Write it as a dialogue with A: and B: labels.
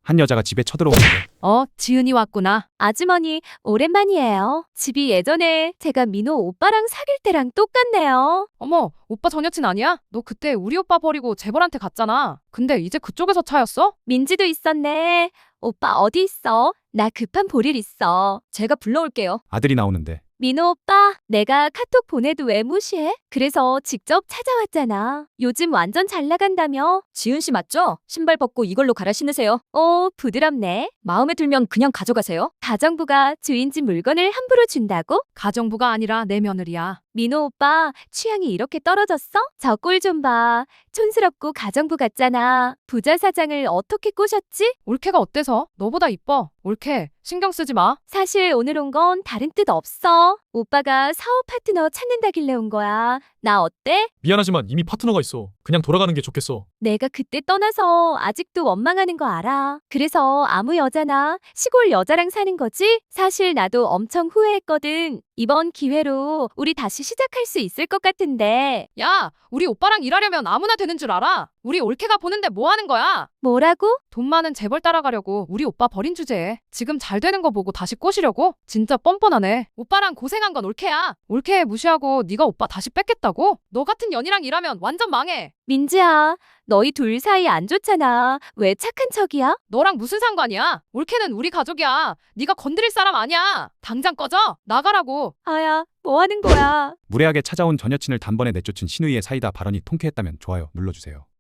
A: 한 여자가 집에 쳐들어오는데
B: 지은이 왔구나.
C: 아주머니, 오랜만이에요. 집이 예전에 제가 민호 오빠랑 사귈 때랑 똑같네요.
B: 어머, 오빠 전 여친 아니야? 너 그때 우리 오빠 버리고 재벌한테 갔잖아. 근데 이제 그쪽에서 차였어?
C: 민지도 있었네. 오빠 어디 있어? 나 급한 볼일 있어. 제가 불러올게요.
A: 아들이 나오는데
C: 민호 오빠, 내가 카톡 보내도 왜 무시해? 그래서 직접 찾아왔잖아. 요즘 완전 잘 나간다며? 지은 씨 맞죠? 신발 벗고 이걸로 갈아 신으세요. 오, 부드럽네. 마음에 들면 그냥 가져가세요. 가정부가 주인 집 물건을 함부로 준다고?
B: 가정부가 아니라 내 며느리야.
C: 민호 오빠, 취향이 이렇게 떨어졌어? 저 꼴 좀 봐. 촌스럽고 가정부 같잖아. 부자 사장을 어떻게 꼬셨지?
B: 올케가 어때서? 너보다 이뻐. 올케, 신경 쓰지 마.
C: 사실 오늘 온 건 다른 뜻 없어. 오빠가 사업 파트너 찾는다길래 온 거야. 나 어때?
D: 미안하지만 이미 파트너가 있어. 그냥 돌아가는 게 좋겠어.
C: 내가 그때 떠나서 아직도 원망하는 거 알아. 그래서 아무 여자나 시골 여자랑 사는 거지? 사실 나도 엄청 후회했거든. 이번 기회로 우리 다시 시작할 수 있을 것 같은데.
B: 야, 우리 오빠랑 일하려면 아무나 되는 줄 알아. 우리 올케가 보는데 뭐 하는 거야?
C: 뭐라고?
B: 돈 많은 재벌 따라가려고 우리 오빠 버린 주제에 지금 잘 되는 거 보고 다시 꼬시려고? 진짜 뻔뻔하네. 오빠랑 고생한 건 올케야. 올케 무시하고 네가 오빠 다시 뺏겠다고? 너 같은 년이랑 일하면 완전 망해.
C: 민지야, 너희 둘 사이 안 좋잖아. 왜 착한 척이야?
B: 너랑 무슨 상관이야? 올케는 우리 가족이야. 네가 건드릴 사람 아니야. 당장 꺼져. 나가라고.
C: 아야, 뭐 하는 거야?
A: 무례하게 찾아온 전 여친을 단번에 내쫓은 신우이의 사이다 발언이 통쾌했다면 좋아요 눌러주세요.